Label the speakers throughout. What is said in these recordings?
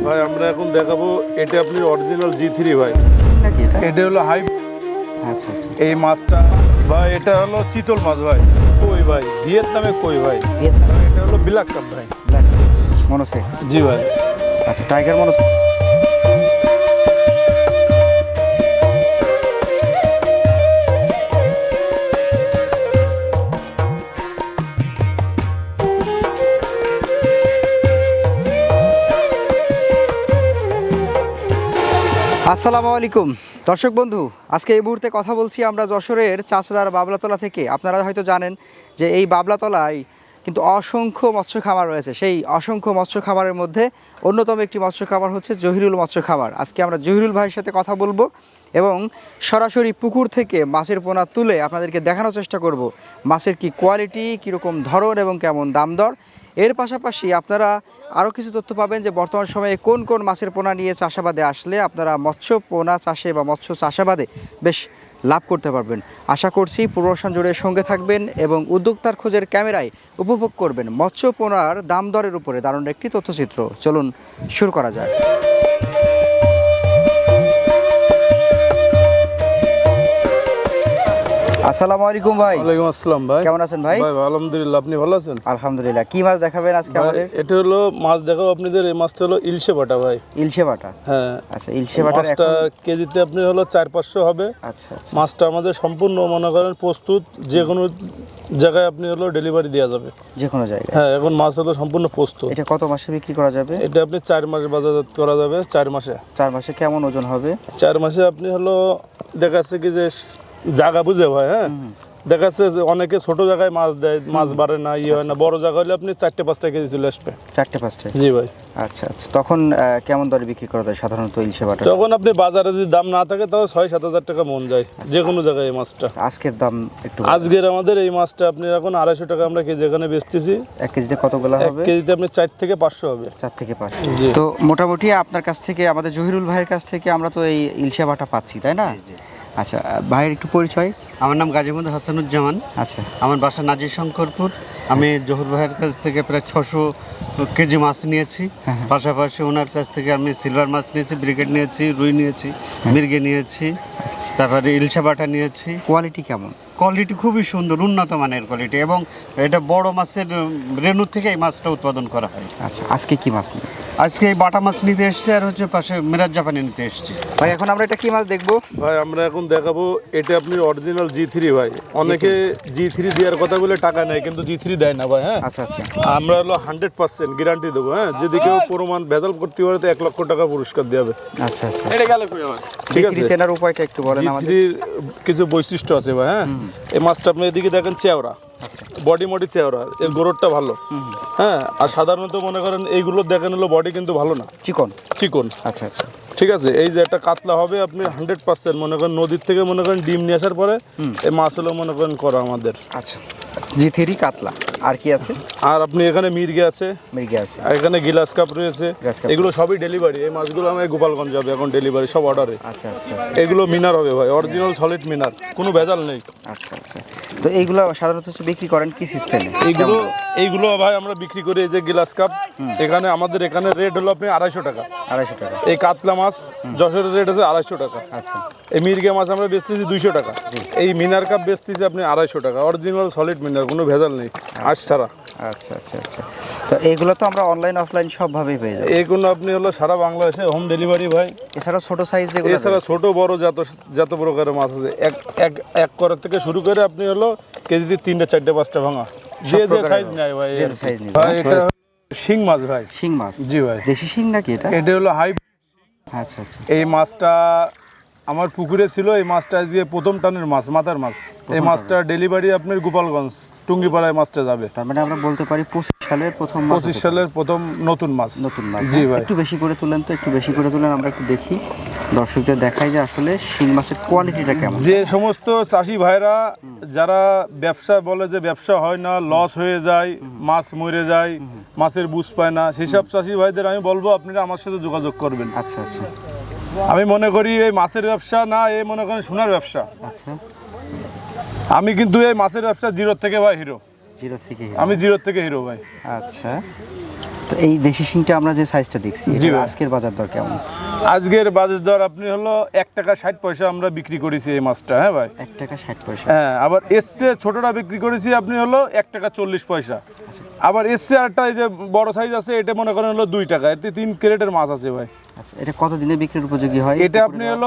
Speaker 1: ভাই আমরা এখন দেখাবো এটা আপনি অরিজিনাল G3 ভাই।
Speaker 2: নাকি
Speaker 1: এটা হলো হাই।
Speaker 2: আচ্ছা আচ্ছা।
Speaker 1: এই মাছটা ভাই এটা হলো চিতল মাছ ভাই, কই ভাই, ভিয়েতনামে কই ভাই।
Speaker 2: ভিয়েতনাম
Speaker 1: এটা হলো ব্ল্যাক কাপ ভাই।
Speaker 2: Black monosex.
Speaker 1: জি ভাই।
Speaker 2: আচ্ছা, টাইগার মনোসেক্স। আসসালামু আলাইকুম দর্শক বন্ধু, আজকে এই মুহূর্তে কথা বলছি আমরা যশোরের চাচড়ার বাবলাতলা থেকে। আপনারা হয়তো জানেন যে এই বাবলাতলায় কিন্তু অসংখ্য মৎস্য খামার রয়েছে। সেই অসংখ্য মৎস্য খামারের মধ্যে অন্যতম একটি মৎস্য খামার হচ্ছে জহিরুল মৎস্য খামার। আজকে আমরা জহিরুল ভাইয়ের সাথে কথা বলবো এবং সরাসরি পুকুর থেকে মাছের পোনা তুলে আপনাদেরকে দেখানোর চেষ্টা করব মাছের কি কোয়ালিটি, কীরকম ধরন এবং কেমন দাম দর। এর পাশাপাশি আপনারা আরও কিছু তথ্য পাবেন যে বর্তমান সময়ে কোন কোন মাছের পোনা নিয়ে চাষাবাদে আসলে আপনারা মৎস্য পোনা চাষে বা মৎস্য চাষাবাদে বেশ লাভ করতে পারবেন। আশা করছি পুরোশন জুড়ে সঙ্গে থাকবেন এবং উদ্যোক্তার খোঁজের ক্যামেরায় উপভোগ করবেন মৎস্য পোনার দাম দরের উপরে দারুণ একটি তথ্যচিত্র। চলুন শুরু করা যাক। আসসালামু আলাইকুম ভাই।
Speaker 1: ওয়ালাইকুম আসসালাম ভাই।
Speaker 2: কেমন আছেন ভাই?
Speaker 1: ভাই আলহামদুলিল্লাহ, আপনি ভালো আছেন?
Speaker 2: আলহামদুলিল্লাহ। কি মাছ দেখাবেন আজকে আমাদের?
Speaker 1: এটা হলো মাছ দেখাবো আপনাদের। এই মাছটা হলো ইলশে বাটা ভাই।
Speaker 2: ইলশে বাটা।
Speaker 1: হ্যাঁ
Speaker 2: আচ্ছা, ইলশে বাটার
Speaker 1: মাছটা কেজিতে আপনি হলো 400-500 হবে।
Speaker 2: আচ্ছা আচ্ছা।
Speaker 1: মাছটা আমাদের সম্পূর্ণ মনে করেন প্রস্তুত, যে কোনো জায়গায় আপনি হলো ডেলিভারি দেওয়া যাবে,
Speaker 2: যে কোনো জায়গায়।
Speaker 1: হ্যাঁ এখন মাছ হলো সম্পূর্ণ প্রস্তুত।
Speaker 2: এটা কত মাসে বিক্রি করা যাবে?
Speaker 1: এটা আপনি 4 মাস বাজারজাত করা যাবে। 4 মাসে।
Speaker 2: 4 মাসে কেমন ওজন হবে?
Speaker 1: 4 মাসে আপনি হলো দেখা যাচ্ছে কি যে জায়গা বুঝে ভাই, হ্যাঁ দেখা যাচ্ছে যে অনেকে ছোট জায়গায় মাছ দেয়, মাছ বাড়ে না, ইয়ে হয় না। বড় জায়গা হলে আপনি 4-5টা কেজি চলে আসবে।
Speaker 2: 4-5টা?
Speaker 1: জি ভাই।
Speaker 2: আচ্ছা আচ্ছা। তখন কেমন দরে বিক্রি করা যায় সাধারণত ইলশে বাটা?
Speaker 1: তখন আপনি বাজারে যদি দাম না থাকে তাও 6-7 হাজার টাকা মন যায় যে কোনো জায়গায় এই মাছটা।
Speaker 2: আজকের দাম একটু?
Speaker 1: আজকের আমাদের এই মাছটা আপনি এখন 250 টাকা আমরা কেজি এখানে বেচতেছি।
Speaker 2: 1 কেজিতে কতগুলো
Speaker 1: 1
Speaker 2: হবে?
Speaker 1: কেজিতে আপনি 4-500 হবে।
Speaker 2: 4-500।
Speaker 1: জি।
Speaker 2: তো মোটামুটি আপনার কাছ থেকে, আমাদের জহিরুল ভাইয়ের কাছ থেকে আমরা তো এই ইলশে বাটা পাচ্ছি, তাই না? আচ্ছা, ভাইয়ের একটু পরিচয়।
Speaker 3: আমার নাম গাজীমুদ হাসানুজ্জামান।
Speaker 2: আচ্ছা।
Speaker 3: আমার বাসা নাজির শঙ্করপুর। আমি জহুর ভাইয়ের কাছ থেকে প্রায় 600 কেজি মাছ নিয়েছি। পাশাপাশি ওনার কাছ থেকে আমি সিলভার মাছ নিয়েছি, ব্রিগেড নিয়েছি, রুই নিয়েছি, মির্গে নিয়েছি, তারপরে ইলশে বাটা নিয়েছি।
Speaker 2: কোয়ালিটি কেমন?
Speaker 3: কোয়ালিটি খুবই সুন্দর, উন্নত মানের কোয়ালিটি, এবং এটা বড় মাছের রেণু থেকে এই মাছটা উৎপাদন করা হয়।
Speaker 2: আচ্ছা, আজকে কি মাছ নিয়ে?
Speaker 3: আজকে এই বাটা মাছ নিতে এসেছি, আর হচ্ছে পাশে মিরাজ জাপানি নিতে এসেছি।
Speaker 2: ভাই এখন আমরা এটা কি মাছ দেখবো?
Speaker 1: ভাই আমরা এখন দেখাবো এটা আপনি অরিজিনাল G3 ভাই। অনেকে G3 দেওয়ার কথা বলে টাকা নেয়, কিন্তু G3 দেয় না ভাই। হ্যাঁ
Speaker 2: আচ্ছা আচ্ছা।
Speaker 1: আমরা হলো 100% গ্যারান্টি দেবো। হ্যাঁ যদি কেউ প্রমাণ ভেজাল করতে পারে তো 1 লক্ষ টাকা পুরস্কার দেওয়া হবে।
Speaker 2: আচ্ছা আচ্ছা।
Speaker 1: ঠিক আছে,
Speaker 2: চেনার উপায়টা একটু বলেন আমাদের।
Speaker 1: G3 কিছু বৈশিষ্ট্য আছে ভাই। হ্যাঁ এই মাছটা আপনি এদিকে দেখেন চেওড়া, বডি মডি চেওড়া, এর গোড়টা ভালো। হ্যাঁ আর সাধারণত মনে করেন এইগুলো দেখেন হলো বডি কিন্তু ভালো না,
Speaker 2: চিকন
Speaker 1: চিকন।
Speaker 2: আচ্ছা আচ্ছা।
Speaker 1: ঠিক আছে, এই যে একটা কাতলা হবে আপনি 100% মনে করেন নদীর থেকে মনে করেন ডিম নিয়ে আসার পরে এই মাছ হলো মনে করেন করা আমাদের।
Speaker 2: আচ্ছা, G3 কাতলা। আর কি আছে?
Speaker 1: আর আপনি এখানে মির্গে আছে,
Speaker 2: মির্গে আছে,
Speaker 1: আর এখানে গিলাস কাপ রয়েছে।
Speaker 2: Glass cup.
Speaker 1: এগুলো সবই ডেলিভারি। এই মাছগুলো আমি গোপালগঞ্জ যাবে এখন ডেলিভারি, সব অর্ডারে।
Speaker 2: আচ্ছা আচ্ছা আচ্ছা।
Speaker 1: এগুলো মিনার হবে ভাই, অরিজিনাল সলিড মিনার, কোনো ভেজাল নেই।
Speaker 2: আচ্ছা আচ্ছা। তো এইগুলো সাধারণত বিক্রি করেন কি সিস্টেমে?
Speaker 1: এইগুলো ভাই আমরা বিক্রি করি এই যে গিলাস কাপ। এখানে আমাদের এখানে রেট হলো আপনি 250 টাকা।
Speaker 2: 250 টাকা।
Speaker 1: এই কাতলা মাছ যশোরের রেট আছে 250 টাকা।
Speaker 2: আচ্ছা।
Speaker 1: এই মির্গে মাছ আমরা বেচতেছি 200 টাকা। এই মিনার কাপ বেচতেছি আপনি 250 টাকা। অরিজিনাল সলিড মিনার, কোনো ভেজাল নেই, আঁশ ছাড়া।
Speaker 2: আচ্ছা আচ্ছা আচ্ছা। তো এইগুলো তো আমরা অনলাইন অফলাইন সবভাবেই পেয়ে যাবো?
Speaker 1: এইগুলো আপনি হলো সারা বাংলাদেশে হোম ডেলিভারি ভাই।
Speaker 2: এছাড়া ছোট সাইজ যেগুলো?
Speaker 1: এছাড়া ছোট বড় যত প্রকারের মাছ আছে, এক করার থেকে শুরু করে আপনি হলো কেজিতে 3টা 4টা 5টা ভাঙা, যে সাইজ নেয় ভাই।
Speaker 2: যে সাইজ নেই
Speaker 1: ভাই এটা শিং মাছ ভাই।
Speaker 2: শিং মাছ?
Speaker 1: জি ভাই।
Speaker 2: দেশি শিং নাকি এটা?
Speaker 1: এটা হলো হাই।
Speaker 2: আচ্ছা আচ্ছা।
Speaker 1: এই মাছটা আমার পুকুরে ছিল। এই মাছটা আজকে প্রথম টানের মাছ, মাথার মাছ। এই মাছটা ডেলিভারি আপনার গোপালগঞ্জ টুঙ্গিপাড়ায় মাছটা যাবে।
Speaker 2: তার মানে আমরা বলতে পারি 25 সালের প্রথম মাছ।
Speaker 1: 25 সালের প্রথম নতুন মাছ।
Speaker 2: নতুন মাছ।
Speaker 1: জি ভাই।
Speaker 2: একটু বেশি করে তুলেন তো, একটু বেশি করে তুলেন, আমরা একটু দেখি, দর্শকদের দেখাই যে আসলে শিং মাছের কোয়ালিটিটা কেমন।
Speaker 1: যে সমস্ত চাষি ভাইরা যারা ব্যবসা বলে যে ব্যবসা হয় না, লস হয়ে যায়, মাছ মরে যায়, মাছের বুঝ পায় না, সেসব চাষি ভাইদের আমি বলবো আপনারা আমার সাথে যোগাযোগ করবেন।
Speaker 2: আচ্ছা আচ্ছা।
Speaker 1: আমি মনে করি এই মাছের ব্যবসা না, এই মনে করেন সোনার ব্যবসা।
Speaker 2: আচ্ছা।
Speaker 1: আমি কিন্তু এই মাছের ব্যবসা জিরো থেকে ভাই হিরো।
Speaker 2: জিরো থেকে?
Speaker 1: আমি জিরো থেকে হিরো ভাই।
Speaker 2: আচ্ছা। তো এই দেশি শিংটা আমরা যে সাইজটা দেখছি
Speaker 1: জি
Speaker 2: এটার
Speaker 1: ভাই।
Speaker 2: আজকের বাজার দর কেমন?
Speaker 1: আজকের বাজার দর আপনি হলো 1 টাকা 60 পয়সা আমরা বিক্রি করেছি এই মাছটা, হ্যাঁ ভাই।
Speaker 2: 1 টাকা 60 পয়সা।
Speaker 1: হ্যাঁ, আবার এসছে ছোটটা বিক্রি করেছি আপনি হলো 1 টাকা 40 পয়সা। আবার এসছে আরটা এই যে বড় সাইজ আছে, এটা মনে করেন হলো 2 টাকা। এতে 3 ক্যারেটের মাছ আছে ভাই।
Speaker 2: আচ্ছা, এটা কত দিনে বিক্রির উপযোগী হয়?
Speaker 1: এটা আপনি হলো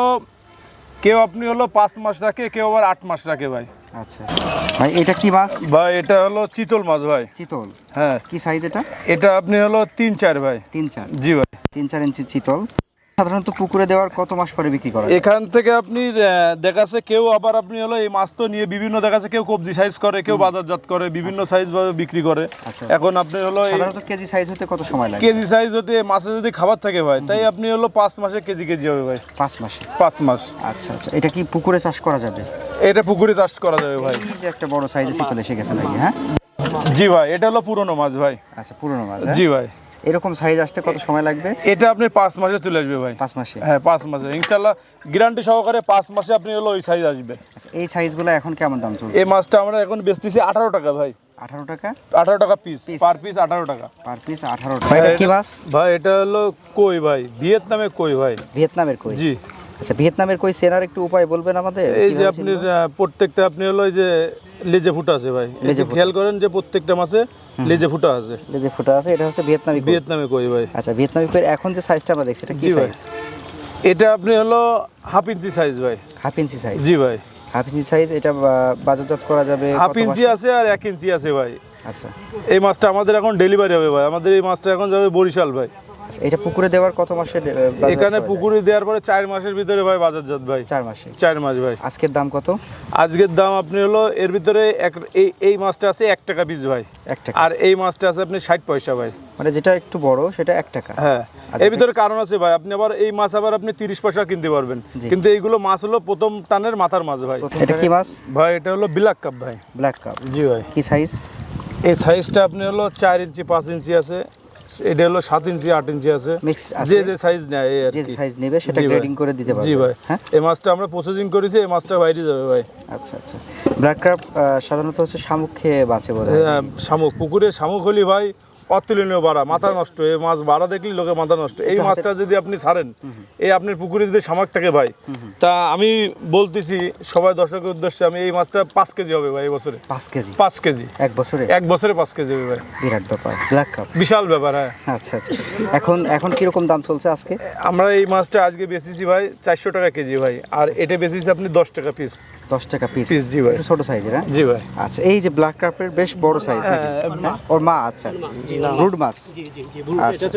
Speaker 1: কেউ আপনি হলো 5 মাস রাখে, কেউ আবার 8 মাস রাখে ভাই।
Speaker 2: আচ্ছা ভাই, এটা কি মাছ?
Speaker 1: ভাই এটা হলো চিতল মাছ ভাই।
Speaker 2: চিতল।
Speaker 1: হ্যাঁ,
Speaker 2: কি সাইজ এটা?
Speaker 1: এটা আপনি হলো 3-4 ভাই।
Speaker 2: 3-4।
Speaker 1: জি ভাই।
Speaker 2: 3-4 ইঞ্চি চিতল। সাধারণত পুকুরে দেওয়ার কত মাস পরে বিক্রি করা যায়?
Speaker 1: এখান থেকে আপনি দেখাচ্ছে কেউ আবার আপনি হলো এই মাছ তো নিয়ে বিভিন্ন দেখাচ্ছে, কেউ কবজি সাইজ করে, কেউ বাজারজাত করে, বিভিন্ন সাইজ ভাবে বিক্রি করে।
Speaker 2: আচ্ছা।
Speaker 1: এখন আপনি হলো এই
Speaker 2: সাধারণত কেজি সাইজ হতে কত সময় লাগে?
Speaker 1: কেজি সাইজ হতে মাছে যদি খাবার থাকে ভাই, তাই আপনি হলো 5 মাসে কেজি কেজি হবে ভাই।
Speaker 2: 5 মাসে।
Speaker 1: 5 মাস।
Speaker 2: আচ্ছা আচ্ছা, এটা কি পুকুরে চাষ করা যাবে?
Speaker 1: এটা পুকুরে চাষ করা যাবে ভাই।
Speaker 2: এই যে একটা বড় সাইজে চিতল এসে গেছে নাকি? হ্যাঁ
Speaker 1: জি ভাই, এটা হলো পুরনো মাছ ভাই।
Speaker 2: আচ্ছা, পুরনো মাছ। হ্যাঁ?
Speaker 1: জি ভাই।
Speaker 2: এরকম সাইজ আসতে কত সময় লাগবে?
Speaker 1: এটা আপনি 5 মাসে চলে আসবে ভাই।
Speaker 2: 5 মাসে।
Speaker 1: হ্যাঁ, 5 মাসে ইনশাআল্লাহ গ্যারান্টি সহকারে 5 মাসে আপনি হলো ওই সাইজ আসবে।
Speaker 2: আচ্ছা, এই সাইজগুলো এখন কেমন দাম চলছে?
Speaker 1: এই মাছটা আমরা এখন বেচতেছি 18 টাকা ভাই।
Speaker 2: 18 টাকা
Speaker 1: 18 টাকা পিস, পার পিস 18 টাকা।
Speaker 2: পার পিস 18 টাকা। এটা কি মাছ?
Speaker 1: ভাই এটা হলো কই ভাই, ভিয়েতনামে কই ভাই।
Speaker 2: ভিয়েতনামের কই?
Speaker 1: জি।
Speaker 2: আচ্ছা, ভিয়েতনামের কই চেনার একটু উপায় বলবেন আমাদের?
Speaker 1: এই যে
Speaker 2: কিভাবে
Speaker 1: আপনি
Speaker 2: চিনবো?
Speaker 1: প্রত্যেকটা আপনি হলো এই যে লেজে ফুটা আছে ভাই, এই
Speaker 2: লেজে
Speaker 1: যে
Speaker 2: ফুটা।
Speaker 1: খেয়াল করেন যে প্রত্যেকটা মাছে লেজে ফুটা আছে।
Speaker 2: এই যে ফুটা আছে, এটা হচ্ছে ভিয়েতনামি কই।
Speaker 1: ভিয়েতনামে কই ভাই।
Speaker 2: আচ্ছা, ভিয়েতনামি কই এখন যে সাইজটা আমরা দেখছি এটা কি
Speaker 1: জি ভাই।
Speaker 2: সাইজ?
Speaker 1: এটা আপনি হলো হাফ ইঞ্চি সাইজ ভাই।
Speaker 2: Half inch size.
Speaker 1: জি ভাই।
Speaker 2: হাফ ইঞ্চি সাইজ, এটা বাজারজাত করা যাবে
Speaker 1: হাফ
Speaker 2: কত
Speaker 1: ইঞ্চি
Speaker 2: মাসে?
Speaker 1: আছে আর 1 ইঞ্চি আছে ভাই।
Speaker 2: আচ্ছা
Speaker 1: এই মাছটা আমাদের এখন ডেলিভারি হবে ভাই। আমাদের এই মাছটা এখন যাবে বরিশাল ভাই।
Speaker 2: আচ্ছা, এটা পুকুরে দেওয়ার কত মাসে বাজারজাত
Speaker 1: এখানে
Speaker 2: করা যায়?
Speaker 1: পুকুরে দেওয়ার পরে 4 মাসের ভিতরে ভাই বাজারজাত ভাই।
Speaker 2: 4 মাসে।
Speaker 1: 4 মাস ভাই।
Speaker 2: আজকের দাম কত?
Speaker 1: আজকের দাম আপনি হলো এর ভিতরে এই মাছটা আছে 1 টাকা পিস ভাই।
Speaker 2: 1 টাকা।
Speaker 1: আর এই মাছটা আছে আপনি 60 পয়সা ভাই।
Speaker 2: মানে যেটা একটু বড় সেটা 1 টাকা।
Speaker 1: হ্যাঁ,
Speaker 2: আচ্ছা,
Speaker 1: এর ভিতরে কারণ আছে ভাই। আপনি আবার এই মাছ আবার আপনি 30 পয়সা কিনতে পারবেন,
Speaker 2: জি।
Speaker 1: কিন্তু এইগুলো মাছ হলো প্রথম টানের মাথার মাছ ভাই।
Speaker 2: এটা কি মাছ?
Speaker 1: ভাই এটা হলো ব্ল্যাক কাপ ভাই।
Speaker 2: Black cup.
Speaker 1: জি ভাই।
Speaker 2: কি সাইজ?
Speaker 1: এই সাইজটা আপনি হলো 4 ইঞ্চি 5 ইঞ্চি আছে, এটা হলো 7 ইঞ্চি 8 ইঞ্চি আছে।
Speaker 2: Mixed আছে?
Speaker 1: যে যে সাইজ নেয় এই আর
Speaker 2: যে
Speaker 1: কি।
Speaker 2: সাইজ নেবে সেটা
Speaker 1: জি ভাই।
Speaker 2: গ্রেডিং করে দিতে পারবে।
Speaker 1: জি ভাই।
Speaker 2: হ্যাঁ
Speaker 1: এই মাছটা আমরা প্রসেসিং করেছি, এই মাছটা বাইরে যাবে ভাই।
Speaker 2: আচ্ছা আচ্ছা। ব্ল্যাক কাপ সাধারণত হচ্ছে শামুক খেয়ে বাঁচে বোধহয়।
Speaker 1: শামুক, পুকুরে শামুক হলি ভাই অতুলনীয় বাড়া, মাথা নষ্ট। এই মাছ বাড়া দেখলি লোকে মাথা নষ্ট। এই মাছটা যদি আপনি ছাড়েন, এই আপনার পুকুরে যদি শামুক থাকে ভাই, তা আমি বলতেছি সবাই দর্শকের উদ্দেশ্যে, আমি এই মাছটা 5 কেজি হবে ভাই এই বছরে।
Speaker 2: 5 কেজি
Speaker 1: 5 কেজি
Speaker 2: এক বছরে?
Speaker 1: 1 বছরে 5 কেজি হবে ভাই।
Speaker 2: বিরাট ব্যাপার। ব্ল্যাক কাপ
Speaker 1: বিশাল ব্যাপার। হ্যাঁ,
Speaker 2: আচ্ছা আচ্ছা। এখন কিরকম দাম চলছে আজকে?
Speaker 1: আমরা এই মাছটা আজকে বেচেছি ভাই 400 টাকা কেজি ভাই। আর এটা বেচেছি আপনি 10 টাকা পিস।
Speaker 2: 10 টাকা পিস?
Speaker 1: পিস, জি ভাই।
Speaker 2: একটু ছোট সাইজের। হ্যাঁ
Speaker 1: জি ভাই।
Speaker 2: আচ্ছা, এই যে ব্ল্যাক কাপের বেশ বড় সাইজ নাকি? হ্যাঁ? ওর মা? আচ্ছা, রুড মাছ। আচ্ছা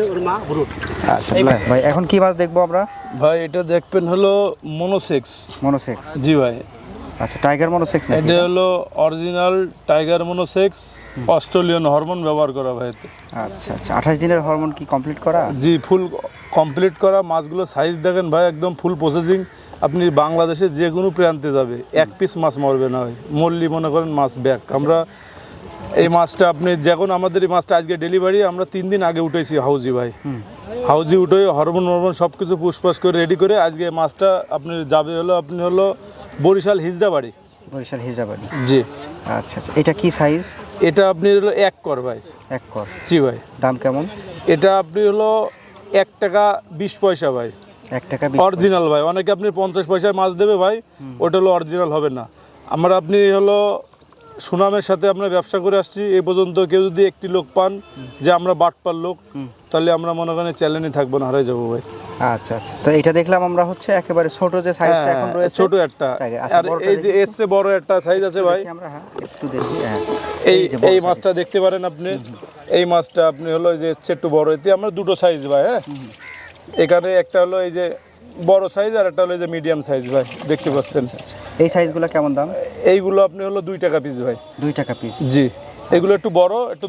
Speaker 2: আচ্ছা ভাই, এখন কি মাছ দেখবো আমরা?
Speaker 1: ভাই এটা দেখবেন হলো মনোসেক্স।
Speaker 2: মনোসেক্স?
Speaker 1: জি ভাই।
Speaker 2: আচ্ছা, টাইগার মনোসেক্স নাকি?
Speaker 1: এটা হলো original tiger monosex, Australian hormone ব্যবহার করা ভাই এতে।
Speaker 2: আচ্ছা আচ্ছা। 28 দিনের হরমোন কি কমপ্লিট করা?
Speaker 1: জি, ফুল কমপ্লিট করা। মাছগুলো সাইজ দেখেন ভাই, একদম ফুল প্রসেসিং। আপনি বাংলাদেশে যে কোনো প্রান্তে যাবে, 1 পিস মাছ মরবে না ভাই। মরলি মনে করেন মাছ ব্যাক। আমরা এই মাছটা আপনি যখন আমাদের এই মাছটা আজকে ডেলিভারি আমরা 3 দিন আগে উঠেছি হাউজি ভাই। হাউজি উঠে হরমোন সব কিছু পুষপাস করে রেডি করে আজকে মাছটা আপনি যাবে হলো আপনি হলো বরিশাল হিজড়াবাড়ি।
Speaker 2: বরিশাল হিজড়াবাড়ি।
Speaker 1: জি।
Speaker 2: আচ্ছা আচ্ছা। এটা কি সাইজ?
Speaker 1: এটা আপনি হলো 1 কর ভাই।
Speaker 2: 1 কর।
Speaker 1: জি ভাই।
Speaker 2: দাম কেমন?
Speaker 1: এটা আপনি হলো 1 টাকা 20 পয়সা ভাই।
Speaker 2: 1 টাকা 20
Speaker 1: অরিজিনাল ভাই। অনেকে আপনি 50 পয়সায় মাছ দেবে ভাই, ওটা হলো অরিজিনাল হবে না। আমরা আপনি হলো সুনামের সাথে আমরা ব্যবসা করে আসছি এই পর্যন্ত। কেউ যদি একটি লোক পান যে আমরা বাটপার লোক, তাহলে আমরা মনে করেন চ্যালেঞ্জে থাকবো না, হারাই যাবো ভাই।
Speaker 2: আচ্ছা আচ্ছা। তো এটা দেখলাম আমরা হচ্ছে একেবারে ছোট যে সাইজটা এখন রয়েছে।
Speaker 1: ছোট একটা।
Speaker 2: আচ্ছা,
Speaker 1: আর এই যে এসছে বড় একটা সাইজ আছে ভাই।
Speaker 2: আমরা হ্যাঁ একটু দেখি। হ্যাঁ,
Speaker 1: এই মাছটা দেখতে পারেন আপনি। এই মাছটা আপনি হলো এই যে এসছে একটু বড়। এতে আমরা দুটো সাইজ ভাই। হ্যাঁ, এখানে একটা হলো এই যে বড় সাইজ আর একটা হলো এই যে মিডিয়াম সাইজ ভাই, দেখতে পাচ্ছেন।
Speaker 2: এই সাইজগুলো কেমন দাম?
Speaker 1: এইগুলো আপনি হলো 2 টাকা পিস ভাই।
Speaker 2: 2 টাকা পিস?
Speaker 1: জি। এগুলো একটু বড়, একটু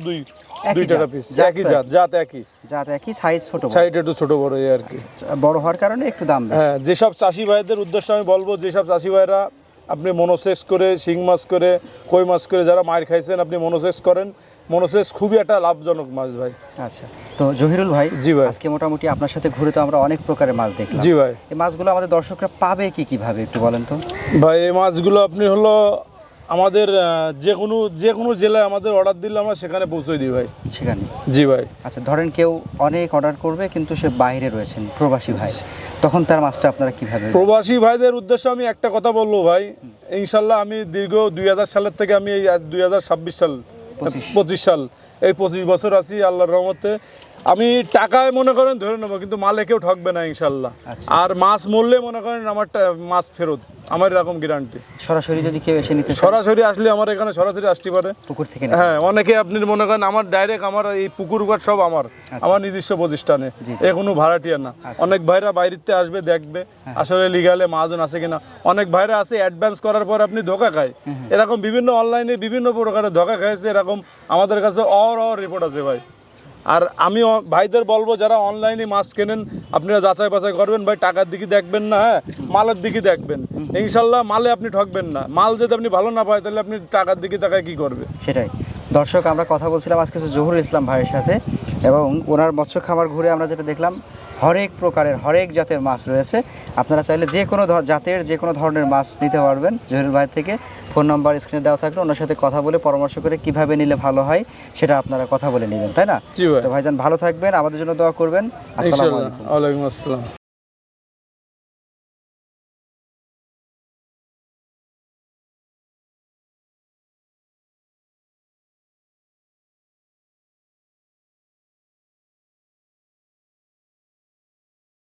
Speaker 1: 2 টাকা পিস। একই জাত একই।
Speaker 2: জাত একই, সাইজ ছোট বড়।
Speaker 1: সাইড একটু ছোট বড় এই আর কি।
Speaker 2: বড় হওয়ার কারণে একটু দাম বেশি।
Speaker 1: হ্যাঁ, যেসব চাষি ভাইদের উদ্দেশ্যে আমি বলবো, যেসব চাষি ভাইরা আপনি মনোসেক্স করে, শিং মাছ করে, কই মাছ করে যারা মার খাইছেন, আপনি মনোসেক্স করেন। মনোসেক্স খুবই একটা লাভজনক মাছ ভাই।
Speaker 2: আচ্ছা। তো জহিরুল ভাই,
Speaker 1: জি ভাই।
Speaker 2: আজকে মোটামুটি আপনার সাথে ঘুরে তো আমরা অনেক প্রকারের মাছ দেখলাম।
Speaker 1: জি ভাই।
Speaker 2: এই মাছগুলো আমাদের দর্শকরা পাবে কিভাবে একটু বলেন তো?
Speaker 1: ভাই এই মাছগুলো আপনি হলো আমাদের যে কোনো জেলায় আমাদের অর্ডার দিলে আমরা সেখানে পৌঁছে দিই ভাই।
Speaker 2: সেখানে?
Speaker 1: জি ভাই।
Speaker 2: আচ্ছা, ধরেন কেউ অনেক অর্ডার করবে কিন্তু সে বাইরে রয়েছেন, প্রবাসী ভাই, তখন তার মাছটা আপনারা কিভাবে?
Speaker 1: প্রবাসী ভাইদের উদ্দেশ্যে আমি একটা কথা বলবো ভাই, ইনশাল্লাহ আমি দীর্ঘ 2000 সালের থেকে আমি এই আজ 2026 সাল 25 সাল, এই 25 বছর আছি আল্লাহর রহমতে। আমি টাকায় মনে করেন ধরে নেবো, কিন্তু মালে কেউ ঠকবে না ইনশাল্লাহ।
Speaker 2: আচ্ছা।
Speaker 1: আর মাছ মরলে মনে করেন আমার মাছ ফেরত, আমার এরকম গ্যারান্টি।
Speaker 2: সরাসরি যদি কেউ এসে নিতে চায়?
Speaker 1: সরাসরি আসলে আমার এখানে সরাসরি আসতে পারে
Speaker 2: পুকুর থেকে?
Speaker 1: হ্যাঁ, অনেকে আপনি মনে করেন আমার ডাইরেক্ট আমার এই পুকুর ঘাট সব আমার নিজস্ব প্রতিষ্ঠানে, এ কোনো ভাড়াটিয়া না। অনেক ভাইরা বাইরেতে আসবে, দেখবে আসলে লিগালে মাহাজন আছে কিনা। অনেক ভাইরা আছে অ্যাডভান্স করার পর আপনি ধোকা খায়, এরকম বিভিন্ন অনলাইনে বিভিন্ন প্রকারের ধোকা খাইছে, এরকম আমাদের কাছে রিপোর্ট আছে ভাই। আর আমি ভাইদের বলবো যারা অনলাইনে মাছ কেনেন আপনারা যাচাই বাছাই করবেন ভাই, টাকার দিকে দেখবেন না, হ্যাঁ মালের দিকে দেখবেন। ইনশাল্লাহ মালে আপনি ঠকবেন না। মাল যদি আপনি ভালো না পায় তাহলে আপনি টাকার দিকে তাকায় কি করবে?
Speaker 2: সেটাই। দর্শক, আমরা কথা বলছিলাম আজকে জহুরুল ইসলাম ভাইয়ের সাথে, এবং ওনার মৎস্য খামার ঘুরে আমরা যেটা দেখলাম হরেক প্রকারের হরেক জাতের মাছ রয়েছে। আপনারা চাইলে যে কোনো জাতের যে কোনো ধরনের মাছ নিতে পারবেন জহুরুল ভাইয়ের থেকে। ফোন নাম্বার স্ক্রিনে দেওয়া থাকলে ওনার সাথে কথা বলে পরামর্শ করে কিভাবে নিলে ভালো হয় সেটা আপনারা কথা বলে নেবেন, তাই না?
Speaker 1: জি ভাই।
Speaker 2: তো ভাইজান ভালো থাকবেন, আমাদের জন্য দোয়া করবেন। আসসালামু আলাইকুম।
Speaker 1: ওয়ালাইকুম আসসালাম।